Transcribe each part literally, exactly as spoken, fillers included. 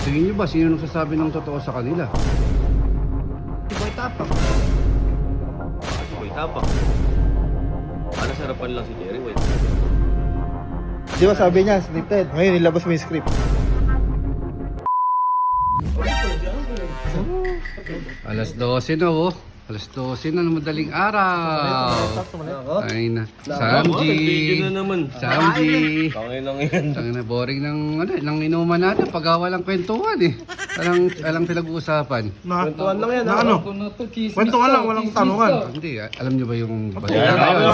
Tingin nyo ba, sino nagsasabi ng totoo sa kanila? Si Boy Tapang. Si Boy Tapang. Para sarapan lang si Jerry White. Di ba sabi niya, scripted. Ngayon, nilabas mo yung script. Alas dose na oh. Alas dose na ng madaling araw. Ay na. Samji. Nag-video na naman. Samji. Tangin lang yan. Tangin na, boring ng, ano, ng inuman natin. Pag-awa lang kwentuhan eh. Alang, alang pinag-uusapan. Kwentuhan lang yan. Na ano? Kwentuhan lang, walang tanungan. Hindi, ah, alam nyo ba yung balita ngayon?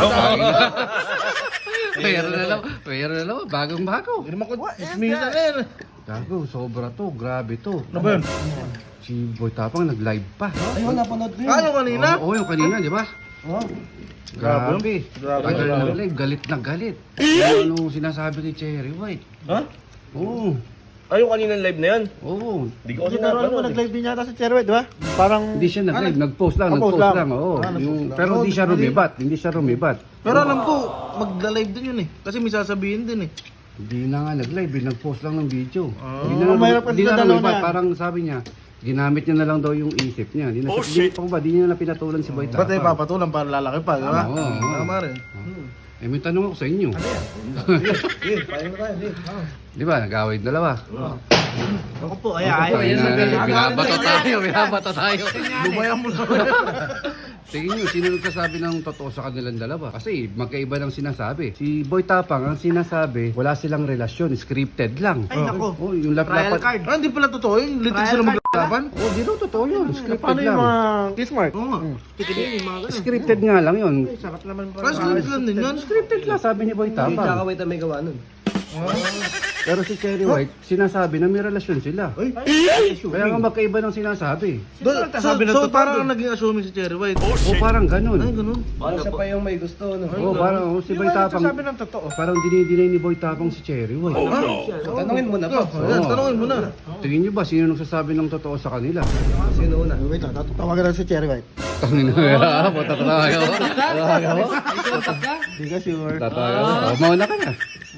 Pero na lang, pero na lang, bagong bago. Hindi naman ko, ismisa na yan. Gago, sobra to, grabe to. Ano ba yun? Si Boy Tapang nag-live pa. Ayun, napanood ko yun. Ah, yung kanina? Oo, oo, yung kanina, di ba? Oh. Grabe. Grabe. Tagal na live, galit na galit. Ano anong sinasabi ni Cherry White? Ha? Oo, Ay, yung kaninang live na yan. oo. Hindi ko kasi Kasi naroon mo, napanood. nag-live din yata si Cherwet, di ba? Parang... Hindi siya nag-live, nag-post lang, Ah, nag-post post lang. lang. Oo, Ah, nag-post yung, lang. pero hindi siya rumibat, hindi siya rumibat. Pero alam ko, magla-live din yun eh. Kasi may sasabihin din eh. Hindi na nga nag-live, eh, nag-post lang ng video. Ah. Hindi na, Mahirap kasi hindi sa na dalawa rumibat, na yan. parang sabi niya, ginamit niya na lang daw yung isip niya. Hindi na oh, shit! Di, ba, di niya na pinatulan si Boy Ba't ay Tapang. papatulan para lalaki pa, di ba? Oo, oo. Tama rin. Eh, may tanong ako sa inyo. Sige, paano na tayo. Sige. Di ba, nag-away dalawa. Ako po, ay ayaw. Ay, na, binabato tayo, binabato tayo. Lumayan mo na. Tingin nyo, sino nagsasabi ng totoo sa kanilang dalawa? Kasi magkaiba ng sinasabi. Si Boy Tapang, ang sinasabi, wala silang relasyon, scripted lang. Ay, nako. Oh, yung Trial lap-lapat. card. Ah, hindi pala totoo yun. Litig Trial sila card. maglaban. Oh, di daw totoo yun. Scripted Paano yung lang. mga kiss mark? Oo nga. Tikinin yung mga ganun. Scripted nga lang yun. Ay, sarap naman. Parang script lang din yun. Scripted lang, sabi ni Boy Tapang. Wait na may gawa nun. Pero si Cherry White, sinasabi na may relasyon sila. Kaya nga magkaiba ng sinasabi. Do, so, so parang naging assuming si Cherry White. O parang ganun. Ay, ganun. Baka siya pa yung may gusto. No? O parang oh, si Boy Tapang, Sabi ng totoo. parang dinidinay ni Boy Tapang si Cherry White. Tanungin mo na pa. Ayan, tanongin mo na. Tingin nyo ba sino nagsasabi ng totoo sa kanila? Sino una? Wait lang, tawagan na si Cherry White. Tangin na, puta tatawagan mo. Tatawagan mo. Hindi ka sure. Tatawagan mo. Oh, mauna ka na.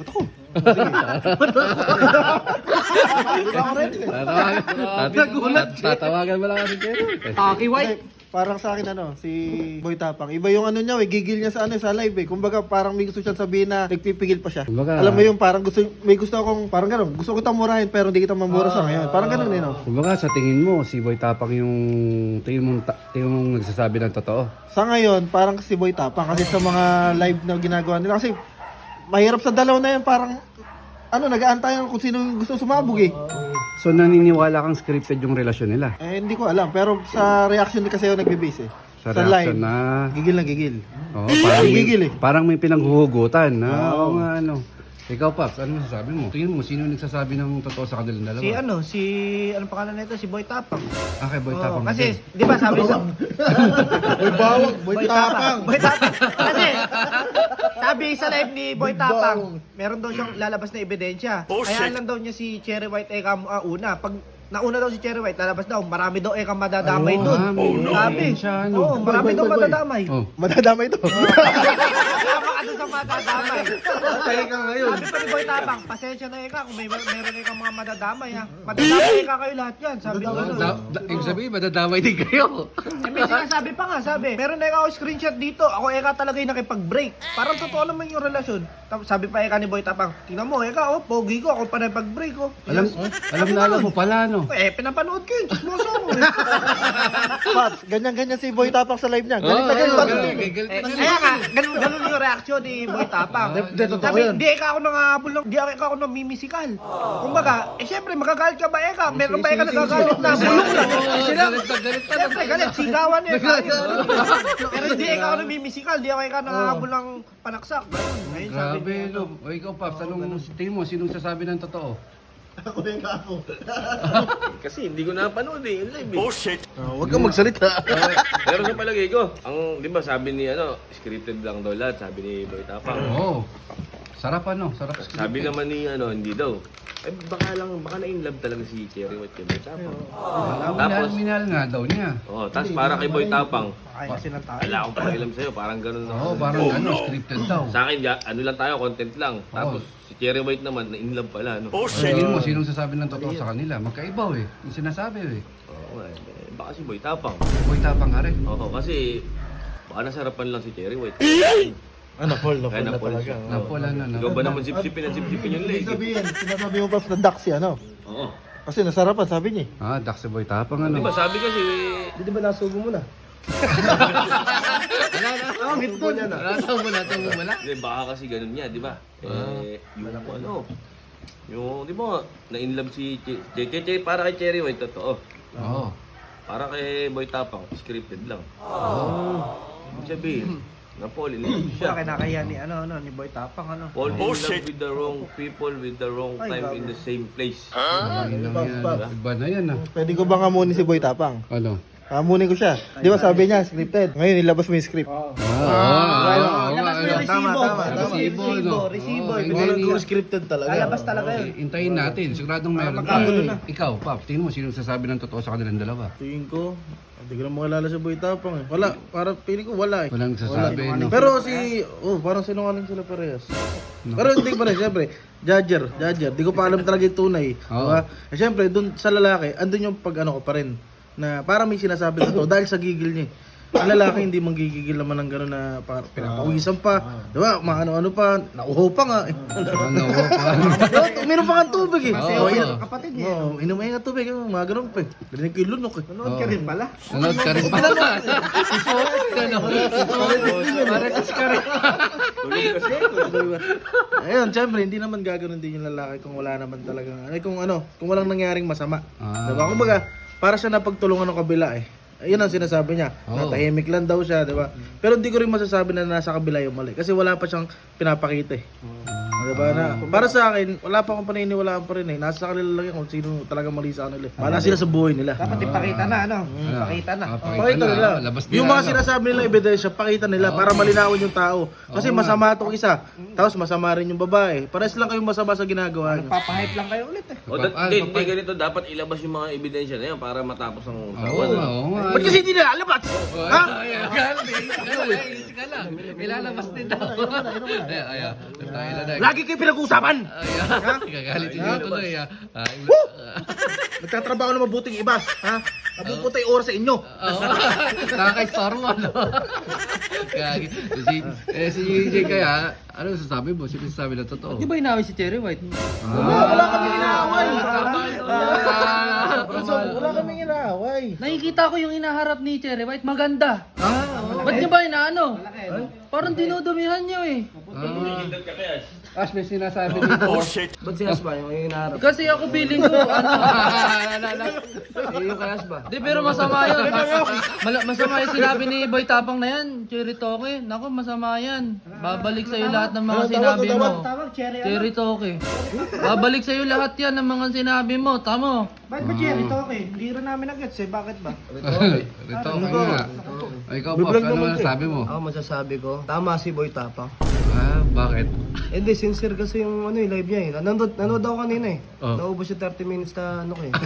Tatawagan, tatawagan mo lang kasi Cherry White. eh. Taki White. Hindi, parang sa akin ano, si Boy Tapang. Iba yung ano niya, eh, gigil niya sa ano sa live eh. Kumbaga parang may gusto siyang sabihin na nagpipigil pa siya. Kumbaga- Alam mo yung parang gusto may gusto akong parang gano'n, gusto ko kitang murahin pero hindi kita mamura sa ngayon. Parang gano'n eh no. Kumbaga sa tingin mo, si Boy Tapang yung tingin mong, ta- tingin mong nagsasabi ng totoo. Sa ngayon, parang si Boy Tapang kasi sa mga live na ginagawa nila kasi mahirap sa dalaw na yan, parang ano, nag-aantayan kung sino yung gusto sumabog eh. So naniniwala kang scripted yung relasyon nila? Eh, hindi ko alam. Pero sa reaction din kasi ako nagbe-base eh. Sa reaction na... Gigil na gigil. Oo, parang may, Gigil eh. parang may pinanghuhugutan. Na, Oo. oo nga, ano. Ikaw, Paps, ano masasabi mo? Tingin mo, sino nagsasabi ng totoo sa kanilang dalawa? Si ano, si anong pangalan nito? Si Boy Tapang. Ah, kay Boy Oo, Tapang. kasi, di ba sabi sa... Boy bawag, Boy Tapang. Boy Tapang. Kasi, sabi sa live ni Boy Tapang, meron daw siyang lalabas na ebidensya. Kaya lang daw niya si Cherry White Eka uh, una. Pag nauna daw si Cherry White, lalabas daw, marami daw Eka madadamay Ayun, dun. ah, may Sabi. ebidensya, ano. Oo, marami Boy, daw boy, boy. madadamay. Oh. Madadama ito. Kasama ka dun sa madadamay. Tayo ka ngayon. Sabi pa ni Boy Tapang, pasensya na Eka kung may meron Eka mga madadamay ha. Madadamay Eka kayo lahat yan. Sabi ko ano. Da, da, ibig sabihin, madadamay din kayo. Eh, may sinasabi pa nga, sabi, meron na ako screenshot dito, ako Eka talaga yung nakipag-break. Parang totoo naman yung relasyon. Tapos sabi pa Eka ni Boy Tapang, tingnan mo Eka, oh, pogi ko, ako pa na pag-break ko. Alam, alam na alam mo pala, no? Eh, pinapanood ko yun, chismoso ko. eh. Pats, ganyan-ganyan si Boy Tapang sa live niya. Galit na galit. Oo, Pats. galit, galit Eh, na kaya nga, ganun, ganun yung reaksyon ni Boy Tapang. Hindi, totoo Sabi, yun. di Eka ako nangahabol ng, di Eka ako namimisikal. Kumbaga, eh syempre, magagalit ka ba Eka? Meron ba Eka nagagalit na? Bulong lang. Sila, Galit na galit na. Siyempre, galit, sigawan yun. Pero hindi Eka ako namimisikal, di ako Eka nangahabol ng panaksak. Ganun. Ayun, sabi Grabe, niya. no? O ikaw, Paps, anong tingin mo? Sinong sasabi ng totoo? Kasi hindi ko napanood eh. Yung live eh. Oh shit! Oh, huwag kang magsalita. Pero sa palagay ko, ang, di ba sabi ni ano, scripted lang daw lahat, sabi ni Boy Tapang. Oo. Sarap ano, sarap scripted. Sabi naman ni ano, hindi daw. Eh baka lang, baka na-inlove talaga si Cherry White kay Boy Tapang. Ah, minahal, Tapos, minahal nga daw niya. oh, tapos para kay Boy Tapang, Kaya kasi ng tayo. wala akong pakialam sa'yo, parang ganun na. Oo, parang ano, scripted daw. Sa akin, ya, ano lang tayo, content lang. Tapos si Cherry White naman, na-inlove pala. No? Oh, tingin mo, sinong sasabi ng totoo sa kanila? Magkaibaw eh. Yung sinasabi eh. Oo, eh, baka si Boy Tapang. Boy Tapang ka rin. Oo, kasi baka nasarapan lang si Cherry White. Ano, fall na Kaya fall na na-fall talaga. siya. Oo. Napula na, Ikaw ba na. naman sipsipin at sipsipin yung leg? Ibig sabihin, sinasabi mo pa na Daxi, ano? Oo. Kasi nasarapan, sabi niya. eh. Ah, dak si Boy Tapang ano. Di ba sabi kasi, Di ba nasugo mo na? subo niya na. Nasa mo na, mo wala. Di, baka kasi ganun niya, di ba? Eh, yung ano, yung, di ba, na-inlove si Che, Che, Che, Che, para kay Cherry White, totoo. Oo. Para kay Boy Tapang, scripted lang. Oo. Ibig sabihin, na-fall in love siya. Siya kinakaya ni ano ano ni Boy Tapang ano. Fall in love with the wrong people with the wrong Ay, time grabe. in the same place. Ayun lang yan. Pops. Iba na yan ah. Pwede ko ba kamunin si Boy Tapang? Ano? Kamunin ko siya. Di ba sabi niya, scripted. Ngayon, nilabas mo yung script. Ah, oo, oo, Labas oo, mo yung oo. resibo. Tama, tama, Labas tama. mo yung resibo, no? resibo. Oo, ibigay hindi- mo. scripted talaga. Lalabas talaga yun. Eh, Hintayin natin. Siguradong meron. Magkagulo na. Ikaw, Pap, tingin mo sinong sasabi ng totoo sa kanilang dalawa? Tingin ko, hindi ko na makilala si Boy Tapang eh. Wala, para feeling ko wala eh. Walang sasabi, no? Pero si, oh, parang sinungaling sila parehas. Pero hindi pa rin, siyempre, judger, judger. Di ko pa alam talaga yung tunay. Oo. Diba? Eh, siyempre, dun sa lalaki, andun yung pag ano ko pa rin. Na parang may sinasabi na to dahil sa gigil niya. eh. Ang lalaki hindi manggigigil naman ng gano'n na para pinapawisan pa. Diba? Maano-ano pa, nauho pa nga. eh. Ano, pa? Diba? Uminom pa nga ng tubig eh. Oo. Oh, Oo. inom- Kapatid niya. oh, inom nga ng tubig, eh, mga ganun pa eh. Rinig ko yung lunok eh. Nanood ka rin pala. Nanood ka rin pa. Isuot ka, no? Marites ka rin. Tuloy kasi. Ayun, syempre, hindi naman gagawin din yung lalaki kung wala naman talagang, ay kung ano, kung walang nangyaring masama. Ah. Diba? Kumbaga, para siya napagtulungan ng kabila eh. Ayun ang sinasabi niya. Oo. Natahimik lang daw siya, diba? Pero hindi ko rin masasabi na nasa kabila yung mali. Kasi wala pa siyang pinapakita eh. Diba na? Para sa akin, wala pa akong paniniwalaan pa rin eh. Nasa kanila lang yan kung sino talagang mali sa kanila. eh. Bahala sila sa buhay nila. Dapat ipakita na ano. Ano? Ipakita na. Ah, Pakita nila. Labas Yung nila, mga ano? sinasabi nila ebidensya, pakita nila para malinawin yung tao. Kasi Oo nga. masama itong isa, tapos masama rin yung babae. Pares lang kayong masama sa ginagawa niyo. Papahype lang kayo ulit eh. O, dat, Ah, hindi, papay- hindi, ganito, dapat ilabas yung mga ebidensya na yan para matapos ang Oo usapan. nga, oo nga. Ba't kasi hindi nila alabas? Ha? Ay, akala, akala, ilalabas din daw. Ay, ay, ay, tayo na na. Lagi kayo pinag-uusapan! Ay, ah, gagalit yung tuloy ah. Ay, Nagtatrabaho na mabuting iba, ha? Napupunta yung oras sa inyo. oo. Nakaka-store mo, no? Gagi. Si, eh, si J J kaya, ano sasabi mo? Sino sasabi na totoo? Di ba inaway si Cherry White? Wala, wala kami inaaway. Ah, Wala kami inaaway. Nakikita ko yung inaharap ni Cherry White, maganda. Ah, Ba't niyo ba inaano? Parang dinudumihan niyo eh. Ash, may sinasabi dito. Oh, shit. Ba't si Asba yung hinaharap? Kasi ako feeling ko, ano, Eh, yung kay Asba. di pero masama yun. Mala- masama yung sinabi ni Boy Tapang na yan, Cherry Toke. Naku, masama yan. Babalik sa'yo lahat ng mga sinabi mo. Tawag, Cherry ano? Cherry Toke. Babalik sa'yo lahat yan ng mga sinabi mo. Tamo. Bakit ba Cherry Toke? Hindi rin namin nag-gets eh. Bakit ba? Rito ka nga. Ay, ikaw, Pops, ano masasabi mo? Ako masasabi ko, tama si Boy Tapang. Ah, bakit? Eh di, sincere kasi yung ano, yung live niya eh. Nanood, nanood ako kanina eh. Oh. Naubos yung thirty minutes na ano ko eh.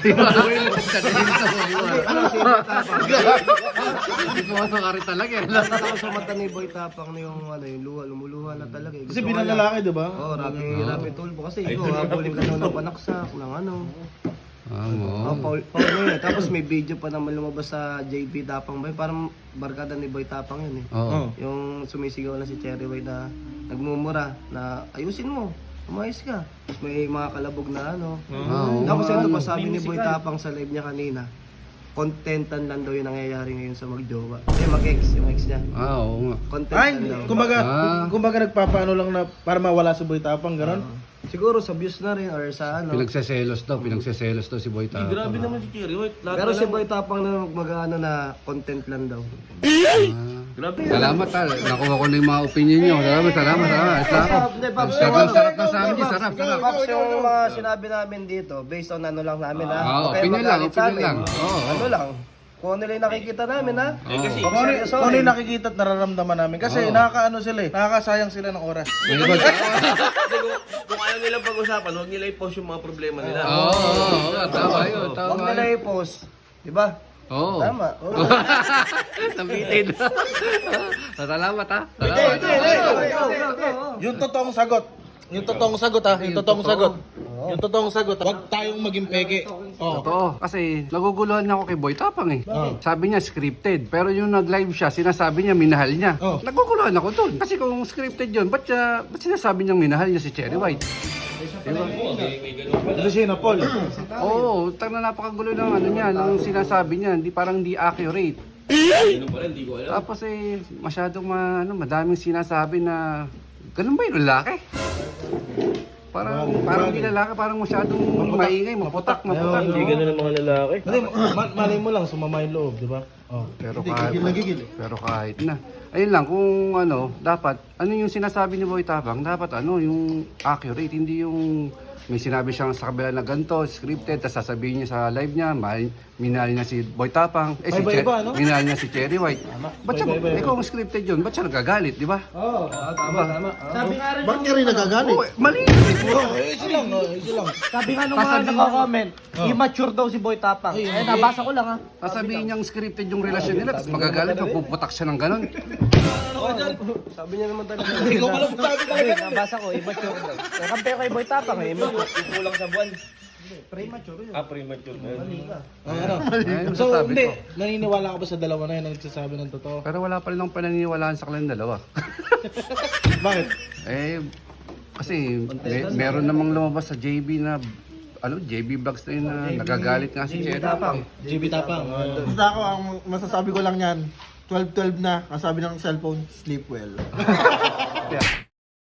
Ano Ano si Boy Tapang? Hindi po ano ka rin talaga. eh. Nakita ko sa mata ni Boy Tapang na yung ano, yung luha, lumuluha na talaga eh. Kasi Gusto bilang ko niya- lalaki, di ba? Oo, oh, rapi, rapi tulpo. Kasi ikaw, habulin ka daw ng panaksak, ng ano. Ah, Oh, mo. Paul, Paul na yun. Tapos may video pa naman lumabas sa J B Tapang ba yun? Parang barkada ni Boy Tapang yun eh. Oo. Yung sumisigaw na si Cherry White na nagmumura na ayusin mo, umayos ka. Tapos may mga kalabog na ano. Oo. Tapos ito pa sabi ni Boy Tapang sa live niya kanina, contentan lang daw yung nangyayari ngayon sa magjowa. Eh, mag-ex, yung ex niya. Ah, oo nga. Contentan Ay, daw. kumbaga, Ah. kumbaga nagpapaano lang na para mawala si Boy Tapang, gano'n? Siguro sa views na rin or sa ano. Pinagseselos daw, pinagseselos daw si Boy Eh, grabe Tapang. naman si Cherry White. Lahat Pero na si lang- Boy Tapang na mag-ano na content lang daw. Grabe. Salamat tal. Nakuha ko na yung mga opinion nyo. Salamat, salamat, salamat. Salamat. Hindi, Pops. Sarap, sarap na sa amin. Sarap, sarap. Pops, yung mga sinabi namin dito, based on ano lang namin ha. Oo, Okay, opinion lang, magalit sa opinion amin. lang. Oo, oo. Ano lang. kung ano nila yung nakikita namin, ha? Eh kasi, Kung ano, kung ano yung nakikita at nararamdaman namin. Kasi nakakaano sila eh. Nakakasayang sila ng oras. Kasi kung, kung ayaw nilang pag-usapan, huwag nila i-post yung mga problema nila. Oo, oo, oo, tama yun, Huwag tama nila yun. i-post. Di ba? Oo. Tama. Oo. Nabitin. Salamat ha. Hindi, Salamat. hindi, hindi. Yung totoong sagot. Yung totoong sagot ha. Yung totoong sagot. Yung totoong sagot. Huwag tayong maging peke. Oh. Totoo. Kasi naguguluhan na ako kay Boy Tapang eh. Sabi niya scripted. Pero yung nag-live siya, sinasabi niya minahal niya. Oh. Naguguluhan ako dun. Kasi kung scripted yun, ba't, siya, ba't sinasabi niyang minahal niya si Cherry White? Diba? Ito siya na Paul. Oo, tang na napakagulo ng ano niya, ng sinasabi niya, hindi parang hindi accurate. Ano pa rin, hindi ko alam. Tapos eh, masyadong ma, ano, madaming sinasabi na, ganun ba yung lalaki? Parang, parang hindi lalaki, parang masyadong maingay, maputak, maputak. Hindi ganun ang mga lalaki. Hindi, ma- malay mo lang, sumama yung loob, di ba? Oh. Pero Hindi, kahit, gigil na gigil eh. pero kahit na. Ayun lang, kung ano, dapat, ano yung sinasabi ni Boy Tapang, dapat ano, yung accurate, hindi yung may sinabi siyang sa kabila na ganito, scripted, tapos sasabihin niya sa live niya, mahal, minahal niya si Boy Tapang, eh si Iba-iba, Che- no? minahal niya si Cherry White. Ba't siya, Iba-iba, eh kung scripted yun, ba't siya nagagalit, di ba? Oo, tama, tama. Sabi nga rin, Bakit ka rin nagagalit? Oo, mali! Oh, easy lang, no? Easy lang. sabi nga nung mga nagko-comment, immature daw si Boy Tapang. Eh, nabasa ko lang ha. Sasabihin niyang scripted yung relasyon nila, tapos magagalit, magpuputak siya ng ganon. Sabi niya naman talaga. Hindi ko alam sabi talaga. Nabasa ko, immature daw. Eh, kampe ko kay Boy Tapang eh, immature. Kulang sa buwan. Premature yun. Ah, premature na yun. Oh, ano? Ayun, So, sasabi hindi. ko. Naniniwala ka ba sa dalawa na yun ang nagsasabi ng totoo? Pero wala pa rin akong pananiniwalaan sa kanilang dalawa. Bakit? Eh, kasi may, meron namang lumabas sa J B na, ano, J B Vlogs na yun na nagagalit nga si Cherry. J B Tapang. Oh. Basta ako, ang masasabi ko lang yan, twelve twelve na, ang sabi ng cellphone, sleep well. Yeah.